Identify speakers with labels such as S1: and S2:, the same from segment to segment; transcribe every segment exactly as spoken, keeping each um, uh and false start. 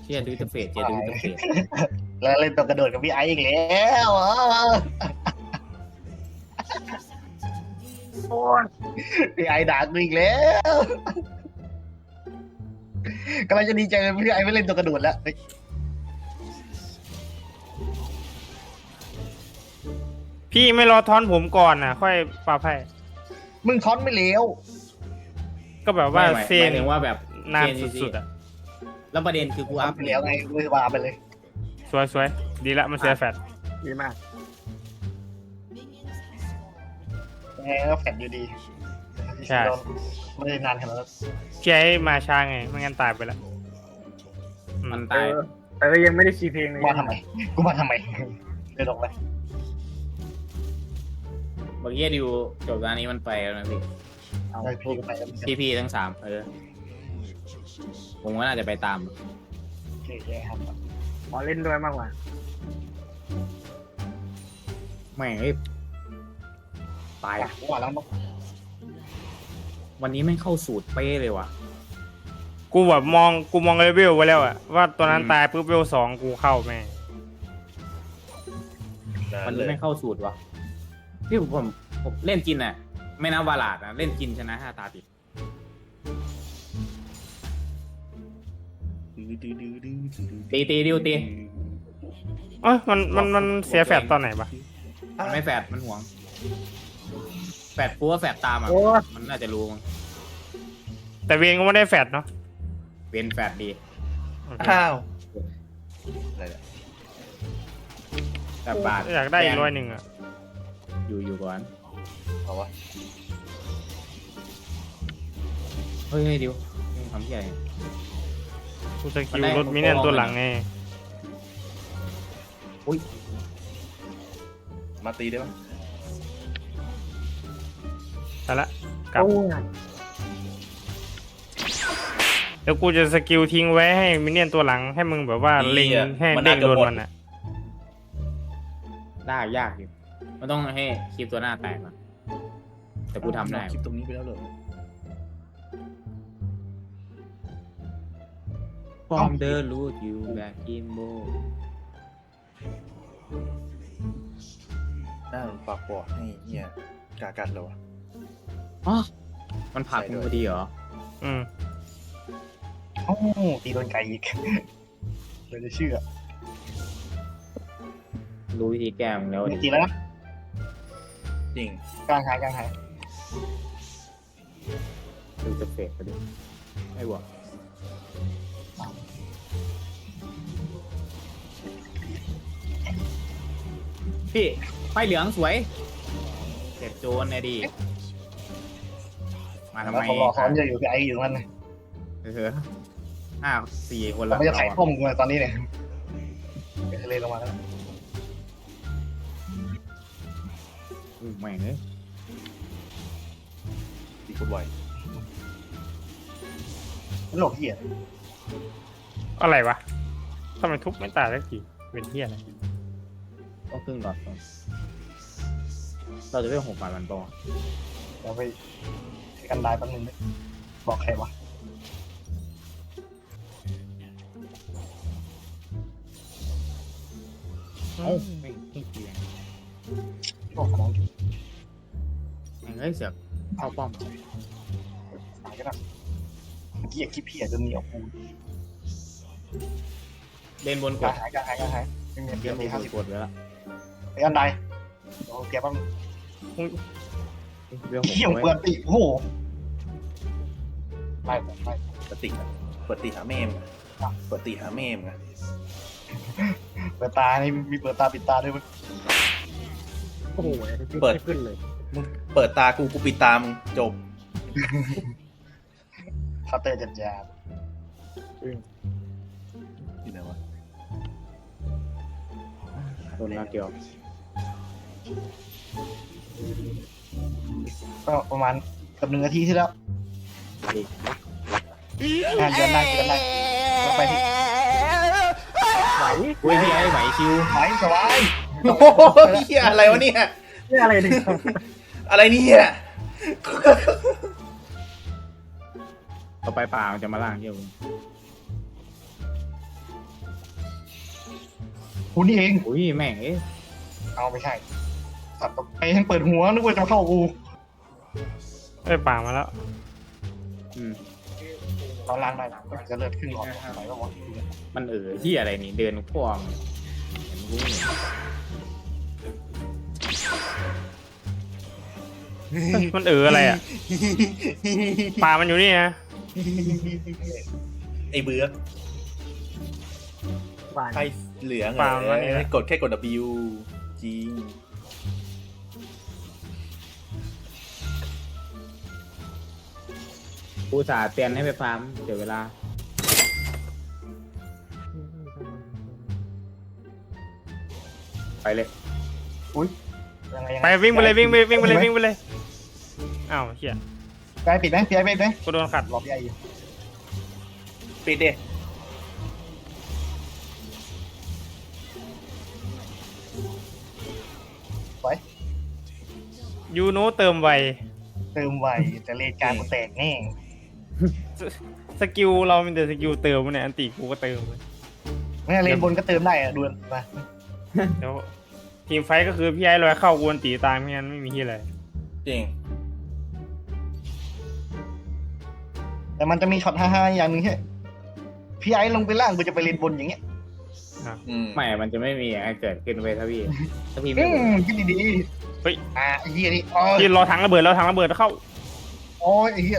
S1: เชี่ยดูอินเตอร์เฟซเชี่ยดูอินเตอร์เฟซ
S2: แล้วเล่นตัวกระโดดกับพี่ไอซ์อีกแล้วโอ้ยพี่ไอซ์ด่ากูอีกแล้วกำลังจะดีใจเลยพี่ไอซ์ไม่เล่นตัวกระโดดแล้ว
S3: พี่ไม่รอทอนผมก่อนนะค่อยปาไพ่
S2: มึงท้อนไม่เลี้ยว
S3: ก็แบบว่า
S1: ไม่
S3: เซ
S1: หมาย
S3: น
S1: ถึงว่าแบบ
S3: นาน
S1: เซ
S3: สุดๆอ่ะ
S1: แล้วประเด็นคือกู
S2: ท้
S1: อั
S2: อน
S1: พ
S2: ไม่เลี้ยวไงมือวาไปเลย
S3: สวยสวยดีละมันเสียแฟด
S2: ดีมากยังไงก็แฟนอยู่ดีไม่ได้นานขนาดนั้น
S3: พี่ไอ้มาช้าไงไม่งั้นตายไปแล้วอื
S1: มันตาย
S4: เออยังไม่ได้คีย์เพลงเลย
S2: มาทำไมกูมาทำไมเดินออกไป
S1: เมื่อกี้ดิวจบตอนนี้มันไปแล้วนะพี่
S2: เอาไปพี่ก็ไปแล้ว
S1: พี่พี่ทั้งสามเออผมก็น่าจะไปตาม
S2: โอเคแย่ครับ
S4: ขอเล่นด้วยมากกว่า
S1: ไม่งเอ้ยตาย
S2: อ่ะกูว่าแล้วมั้ง
S1: วันนี้ไม่งเข้าสูตรเป๊ะเลยว่ะ
S3: กูแบบมองกูมองเลเวลไว้แล้วอะว่าตัวนั้น
S1: อืม
S3: ตายปุ๊บเลเวลสองกูเข้าแม่ง
S1: วันนี้ไม่เข้าสูตรว่ะพี่ผมผมเล่นจินอ่ะ ไม่นับวาลาดนะเล่นจินชนะห้าตาติด ตีตีดิวตี
S3: เอ้ยมันมันมันเสียแฟดตอนไหนปะ
S1: มันไม่แฟดมันห่วง แฟดกูว่าแฟดตามอ่ะ
S4: โอ้
S1: มันน่าจะรู้มั้ง
S3: แต่เวงก็ไม่ได้แฟดเนาะ
S1: เป็นแฟดดี
S3: โอเค
S2: อ้าว
S1: แต่บาท
S3: อยากได้อีกร้อยหนึ่งอะ
S1: อยู่อยู่ก่อน
S2: เอาวะ
S1: เฮ้ยเฮ้ยดิวมึงทำที่อะไร
S3: กูสกิลรถมิเนียนตัวหลังไง
S5: มาตีได้ปะ
S3: แต่ละกลับ
S4: โอ้ย
S3: เดี๋ยวกูจะสกิลทิ้งไว้ให้มิเนียนตัวหลังให้มึงแบบว่าเล็งให้เด้งโดนมันอะ
S1: ได้ยากอยู่มันต้องให้คลิปตัวหน้าแตกก่อนแต่กูทำได้
S5: คลิปตรงนี้ไปแล้วเหรอ
S1: ฟอร์มเดอร์รูดอยู่แบบอิมโบ
S5: หน้ามันปากปอดให้เฮียกากัดเลยวะ
S1: อ๋อมันผลักมึงพอดีเหรอ
S3: อืม
S2: โอ้ตีโดนไก่อีกเลยจะเชื่อ
S1: รู้วิธีแก้มึงแล้วดิ
S2: ตีแล้วนะ
S5: จริง
S2: กลางหายกลางหาย
S1: ดูจะเฟกไปดิไม่บวกพี่ไฟเหลืองสวยเจ็บโจนเนี่ยดีมาทำ
S2: แล้ว
S1: ไม
S2: เขารอซ้อนจะอยู่กับไออยู่มัน
S1: เออห้าสี่คน
S2: เรา
S1: ละ
S2: ไม่จะไถ่
S1: เรา
S2: ต้มกูเลยตอนนี้เนี่ยจะเลยลงมาแล้ว
S1: อืมแม่งเลย
S5: ตีคนไว
S2: โลกเหี้ย
S3: อะไรวะทำไมทุบไม่ตายสักทีเป็นเที่ยอะไร
S1: ต้องครึ่งหลอดก่อนเราจะเรียกหกบาทมันปอ
S2: เราไปกันได้แป๊บนึงบอกใครวะ
S1: เอ้าไม่ไม่เกียง
S2: โอ้ของ
S1: แม่งเอ้ยเสือกเข้าป้อม
S2: ตายก็ได้เมื่อกี้คิดเพี้ยจนเหนียวกู
S1: เล่นบนก
S2: กลา
S1: ด
S2: งหายกลางหายกลางหายไม่มี
S1: เล่
S2: เพี้ย
S1: นบ
S2: ตี
S1: น
S2: ห้าสิบ
S1: กดไว้ละ
S2: ไอ้อันใดโอ้แกแป๊บ
S1: เรื่อง
S2: เขี้ยวเปิดตีโอ้โหไล่ไล่
S5: เปิดตีอะเปิดตีหาเมมอะเปิดตีหาเมมไง
S2: เปิดตานี่มีเปิดตาปิดตาด้วยมั้ย
S4: โอ้โหไม่ขึ้นเลย
S5: มึงเปิดตากูกูปิดตามึงจบ
S2: เคาน์เตอร์จัดยา
S5: อยู่ไหนวะ
S1: โดนนาเกียว
S2: ก็ประมาณเกือบหนึ่งนาทีที่แล้ว
S1: อีก
S2: งานเดือนได้เดือนได้ลงไปที่
S4: ไหว
S1: อุ้ยพี่ไอ้ไหวคิว
S2: ไหวสบาย
S5: โอ้โหเฮียอะไรวะเนี่ย
S4: นี่อะไรเนี่ย
S5: อะไรเนี่ย
S1: ต่อไปป่ามันจะมาล่างเที่ยว
S2: กูนี่เอง
S1: อุ้ยแม่งเอ๊ะ
S2: เอาไม่ใช่สัตว์ตกใจทั้งเปิดหัวนึกว่าจะเข้ากู
S3: เอ้ยป่ามาแล้ว
S1: อืม
S2: ตอนล่างได้นะก็จะเลือดขึ้นหลอดไหนก็วะ
S1: มันเออที่อะไรนี่เดินพ่วงเห็นรู้เนี่ย
S3: มันเอออะไรอ่ะป่ามันอยู่นี่นะ
S5: ไอ้เบือก
S4: หวาน
S5: ไอ้เหลือง
S3: ป่า
S5: เอ
S3: มันนี่
S5: อ
S3: แหละ
S5: กดแค่กด W จริง
S1: กูสาห์เตือนให้ไปฟาร์มเดี๋ยวเวลาไปเลย
S2: ยังไงยัง
S3: ไป
S2: ไง
S3: วิ่งไปเลยวิ่งไปวิ่งไปเลยวิ่งไปเลยอ้าวเฮีย
S2: ไปปิดไหมพี่ไอ้ปิดไหม
S3: กูโดนขัด
S2: รอพี่ไอ้อยู่
S5: ปิดดิ
S3: ยูโนเติมไว
S2: เติมไวแต่เลนกลางกูแตกแน่
S3: สกิลเราเป็นแต่สกิลเติมเนี่ยอันติกูก็เติมเลย
S2: ไม่งั้นเลนบนก็เติมได้อะดูมา
S3: เดี๋ยวทีมไฟท์ก็คือพี่ไอ้ลอยเข้ากูอันติตามไม่งั้นไม่มีที่อะไร
S5: จริง
S2: แต่มันจะมีช็อตฮ่าๆอย่างหนึ่งแค่พี่ไอ้ลงไปล่างกูจะไปเลนบนอย่างเงี้ย
S5: อืม
S1: ไม่มันจะไม่มีอะไรเกิดขึ้นเว้ยถ้าพี่ถ้าพี่
S2: อื
S1: ไม่รู้
S2: มคิดดี
S3: เฮ้ย
S2: ๆอ่าไอ้เหี้ยนี่อ๋อ
S3: ที่รอถังระเบิดแล้วถังระเบิดเข้า
S2: โอ้ยไอ้เหี้ย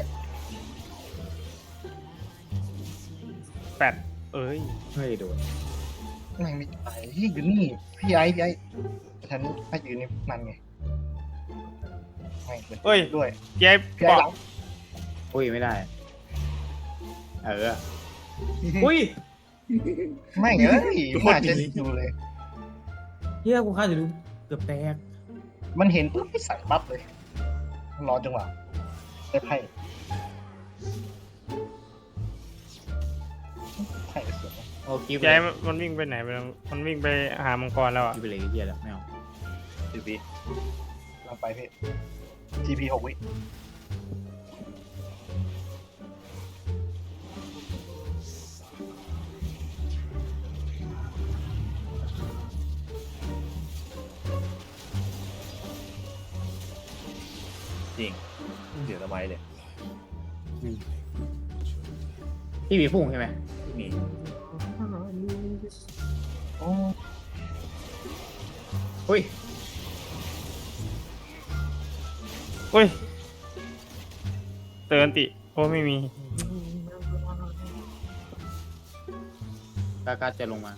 S3: แปดเอ้ย
S1: ไม่โดน
S2: แม่งไม่ตายเหี้ยอยู่นี่พี่ไอ้พี่ไอ้ฉันให้อยู่นี่นั่นไงไม่เลย
S3: เอ้ย
S2: ด้วย
S3: พี่ไอ้
S2: พี่
S3: ป
S2: ไอ้
S3: อก
S2: หลัง
S1: อุ้ยไม่ได้เอออุ้ย
S2: ไม่เอ้ยน่าจะดูเลย
S1: เฮียกูคาดจะดูเกือบแตก
S2: มันเห็นปุ๊บไม่ใส่ปั๊บเลยรอจังหวะได้ไพ่ไพ่เสีย
S1: โอ้กิฟ
S3: พี่ไอ้มันวิ่งไปไหนไปแล้วมันวิ่งไปหามังกรแล้วอ่ะ
S1: กิฟไปเลยไอ้เฮียแล้วไม่เอา
S5: สิบวิ
S2: เราไปพี่ จี พี หกวิ
S5: จริงเดี๋ยวทำไมเลย
S1: พี่มีพุ่งใช่ไหม
S5: มี
S2: โอ้
S1: อุ้ย
S3: เฮ้ยเตือนติโอ้ไม่มี
S1: กากาจะลงมา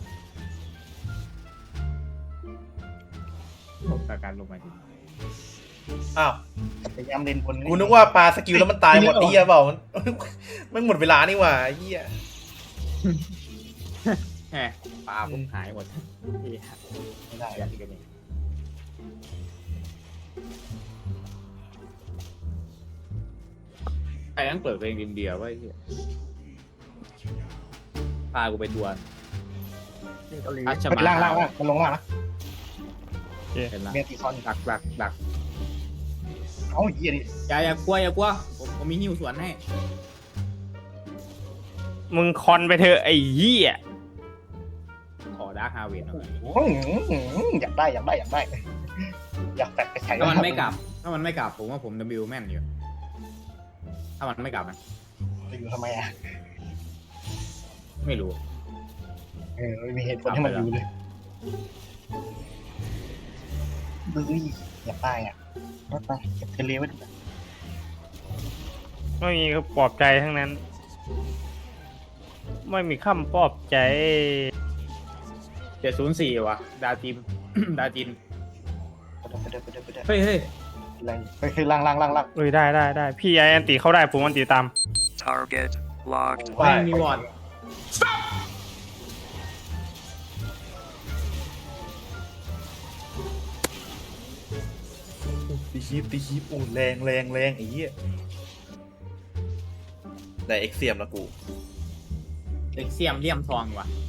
S1: กาการลงมาดิ
S5: อ้าว
S2: พยายามเล่นบน
S5: กูนึกว่าปลาสกิลแล้วมันตายหมดไอ้เหี้ยเปล่ามัน มันหมดเวลานี่หว่าไอ้เหี้ย
S1: แหมปลาผมหายหมดเฮีย
S2: ไม่ได้
S1: อยากกินกันเองใครนั่งเปิดเพลงดินเดียวไว้เฮียพากูไปดวล
S4: นี่เกาหลี
S1: อาช
S2: มัน
S1: มา
S2: ล่างล่างล่างมันลงล่างนะ
S1: เห็นละ
S2: เมียตีซอน
S1: ดักดักดัก
S2: เอาเหี้ยดิ
S1: อย่าอย่ากลัวอย่ากลัวผมผมมีหิ้วสวนให้
S3: มึงคอนไปเถอะไอ้เหี้ย
S1: ขอดาร์คฮาเวนหน่อย
S2: โอ้ยอยากได้อยากได้อยากได้ อยากแตกไปใช้
S1: ถ้ามันไม่กลับ ถ้ามันไม่กลับผมว่าผมดับบิวแม่นอยู่ ถ้ามันไม่กลับนะ
S2: จะอยู่ทำไมอ่ะ
S1: ไม่รู้
S2: เออไม่มีเหตุผลให้มันอยู่เลยบื้ออยากได้อ่ะรถไปเก็บเทเลไว้ดีกว่า
S3: ไม่มีก็ปลอบใจทั้งนั้น ไม่มีคำปลอบใจ
S1: เจ็ดศูนย์สี่วะดาจิม ดาจิน
S2: ไปเด้อไปเด้อไปเด้อ
S1: เฮ้ยเฮ้ย
S2: แรงไปคือล่างล่างล่างล่าง
S3: เอ้ยได้ได้ได้พี่ไอ้อันติเข้าได้ผมอันติตาม
S6: Target locked.
S1: ไม่มีวอร์ด
S5: ตีคีบตีคีบโอ้แรงแรงแรงไอ้เหี้ยได้เอ็กเซียมแล้วกู
S1: เด็กเสียมเลี่ยมทองว่ะ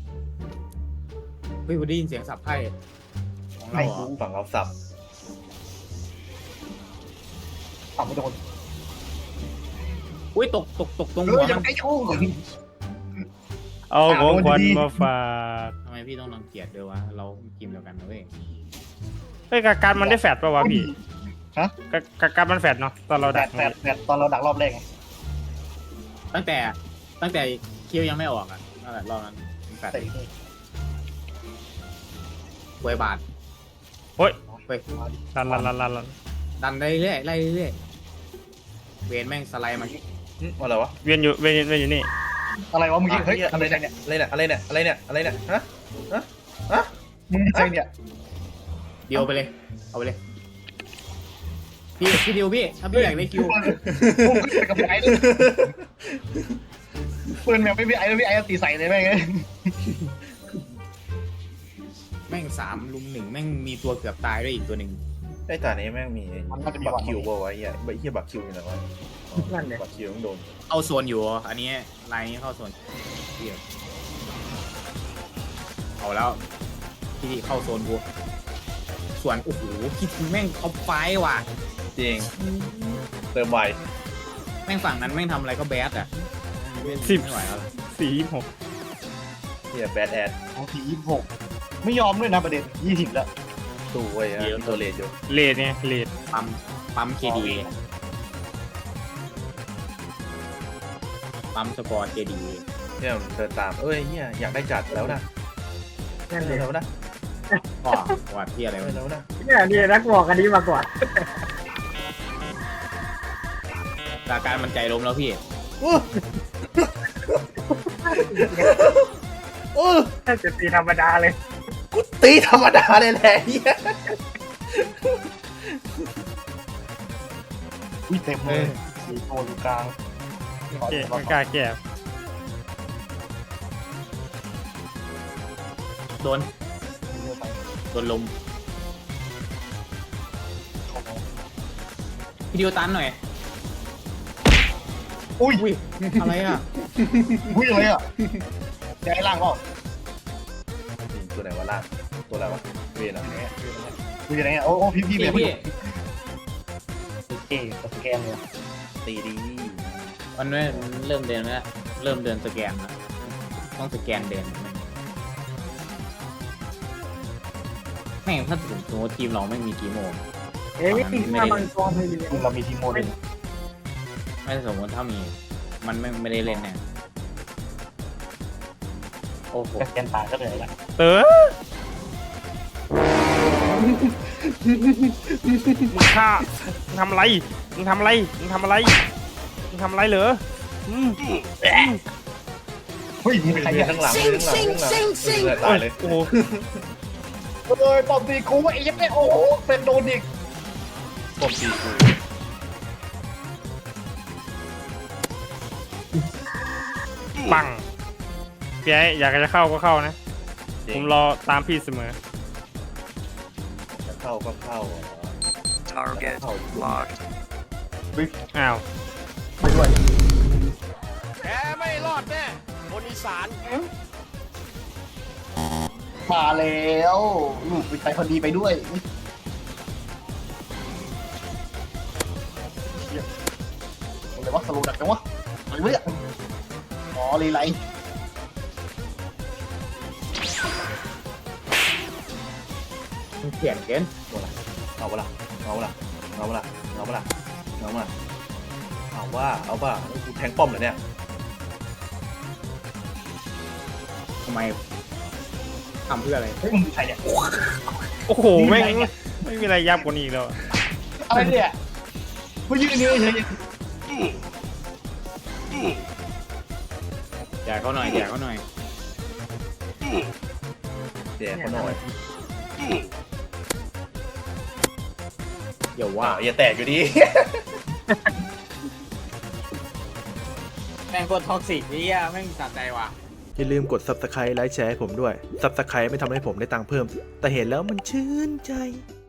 S1: เฮ้ยผมได้ยินเสียงสับไพ่ของเรา
S2: ไม่
S1: เหรอ
S2: รู้
S5: ฝั่งเราสับ
S2: ต่ำไม่โดน
S1: อุ้ยตกตกตกตรง
S2: เอ
S1: หั
S2: อ
S1: ว
S2: อย่า
S1: มัน
S2: ไปชู้
S3: เอาของขวัญมาฝาก
S1: ทำไมพพี่ต้องรังเกียจด้วยวะเราทีมเดียวกันนะเว้ย
S3: เฮ้ยกาการมันได้แฟดป่าวะพี่
S2: ฮะ
S3: กากาการมันแฟดเนาะตอนเรา
S2: แป
S3: ดั
S2: ด
S3: ก
S2: แปดแปดตอนเราดักรอบแรกไง
S1: ตั้งแต่ตั้งแต่คิวยังไม่ออกอ่ะนั่นแหละรอบนั้นแปด
S2: แต่นี่
S1: หวยบาท
S3: โอ้ย
S1: เว้ย
S2: มาดิ
S3: ลันลันลันลันลัน
S1: ดันได้เรื่อยไล่เรื่อยเวนแม่งสไลด์มา
S5: อืมอะไรวะ
S3: เวียนอยู่เวียนเวียนอยู่นี่
S2: อะไรวะมึงยิงเฮ้ย
S5: อ่ะ
S2: อะไรเนี่ย
S5: อะไรเนี่ยอะไรเนี่ยอะไรเนี่ยอะไรเนี่ยฮะฮะฮะ
S2: มึงยิงใครเนี่ย
S1: เดียวไปเลยเอาไปเลยพี่พี่ดิวพี่ถ้าพี่อยากได้คิว
S2: พุ่งขึ้นไปกับพี่ไอ้เลยปืนแมวไม่พี่ไอ้แล้วพี่ไอ้ตีใส่เลยแม่ง
S1: แม่งสามลุมหนึ่งแม่งมีตัวเกือบตายด้วยอีกตัวหนึ่ง
S5: ไอ้ตานี้แม่งมีบักคิวป่าวะไอ้เหี้ยไอ้เหี้ยบักคิวอยู่ไหนวะอ๋อ
S4: นั่นเลย
S5: บักคิวต้องโดน
S1: เข้าโซนอยู่อันนี้ไลน์นี้เข้าโซนเดียวเอาแล้วพี่เข้าโซนกูส่วนโอ้โหคิดถึงแม่งท็อปไฟว์ว่ะ
S5: จริงเติมไว
S1: แม่งฝั่งนั้นแม่งทำอะไรก็แบดอ่ะ
S3: สิบ
S1: ไม่ไหวแล้ว
S3: สี่หก
S5: เหี้ยแบดแอด
S2: โอ้ทียี่สิบหกไม่ยอมด้วยนะประเด็นยี่สิบแล้ว
S5: ตู้ไว้ฮะมีตัวเลดอยู่
S3: เลดเนี่ยเลด
S1: ปั๊มปั๊มเคดีปั๊มสกอร์เคดี
S5: เนี่ยมันเดินตามเอ้ยเหี้ยอยากได้จัดแล้วนะ
S4: นั่นเลย
S5: แล้วนะ
S1: ก็วัดที่อะไรวะ
S5: แล้วนะ
S4: เนี่ยนี่นักบอกอันนี้มาก่อน
S1: สถานการณ์มันใจล้มแล้วพี่
S5: อู้อู้
S4: แค่จะตีธรรมดาเลย
S5: กูตีธรรมดาเลยแหละเหี้ย
S2: อุ้ยเต็มเลยสีโตอยู่กลาง
S3: เก่ไม่กล้าแก่
S1: โดนโดนลมพี่ดิวตันหน่อย
S2: อุ้ย
S1: อุ้ยอะไรอ่ะ
S2: อุ้ยอะไรอ่ะย้ายล่างก็
S5: ตัวไหนวะล่างตัวอะไรวะเวนอ่ะ
S2: อุ้ยอะไรเงี้ยโอ้โอ้พี่พี่
S1: พี่
S2: เบียร์
S1: พี่
S2: เอ๊ะสแกนเลย
S5: ตีดี
S1: มันไม่เริ่มเดินแล้วเริ่มเดินสแกนแล้วต้องสแกนเดินแม่งถ้าถึงสมมติทีมเราไม่มีทีโม
S4: เอ้ยตีมามังกรเลย
S2: คือเรามีทีมโมเดล
S1: ไม่สมมติถ้ามี มันไม่ไม่ได้เล่นแน่โอ้โห
S2: สแกนตายก็เลยละ
S3: เต๋อมึงฆ่ามึงทำอะไรมึงทำอะไรมึงทำอะไรมึงทำอะไรเหรออืม
S2: เฮ้ยมีใคร
S5: เวีย
S2: อ่ะ
S5: นข้างหลังเวียนข้างหลังเวียนข้างหลังเออตายเลย
S3: โอ้โห
S2: เอ้ยปอมตีกูไอ้ยักษ์เนี่ยโอ้โหเป็นโดนอีก
S5: ปมตีกู
S3: ปังพี่ไอ้อยากจะเข้าก็เข้านะ
S5: จริ
S3: ผ
S5: ง
S3: มรอตามพี่เสมอ
S5: จะเข้าก็เข้าอ่ะ
S6: Target locked.
S3: อ้าว
S2: ไปด้วย
S7: แกไม่รอดแน่คนอีสาน
S2: มาแล้วลูกไปพอดีไปด้วยเชี่ยอะไรวะสโลว์ดักจังวะอะไรวะเนี่ยอ๋อเลยไร
S1: มันเปลี่ยนเกิน
S5: เอาวะล่ะเอาวะล่ะเอาวะล่ะเอาวะล่ะเอาวะล่ะเอาว่าเอาว่ากูแทงป้อมเหรอเนี่ย
S1: ทำไมทำเพื่ออะไร
S2: เฮ้ยมึงเป็นใครเนี่ย
S3: โอ้โหแม่งไม่มีอะไรยับกว่านี้อีกแล้ว
S2: อะไรเนี่ยกูยืนนี่เฉย
S1: แจกเขาหน่อยแจกเขาหน่อย
S5: แดกเขาหน่อย
S1: อย่า
S5: ว้า
S1: ว่า
S5: อย่าแตกอยู่ดี
S1: แม่งโคตรท็อกซิกนี่อ่ะแม่งสะใจว่ะ
S8: อย่าลืมกด ซับสไครบ์ ไลค์ แชร์ให้ผมด้วย ซับสไครบ์ไม่ทำให้ผมได้ตังค์เพิ่ม แต่เห็นแล้วมันชื่นใจ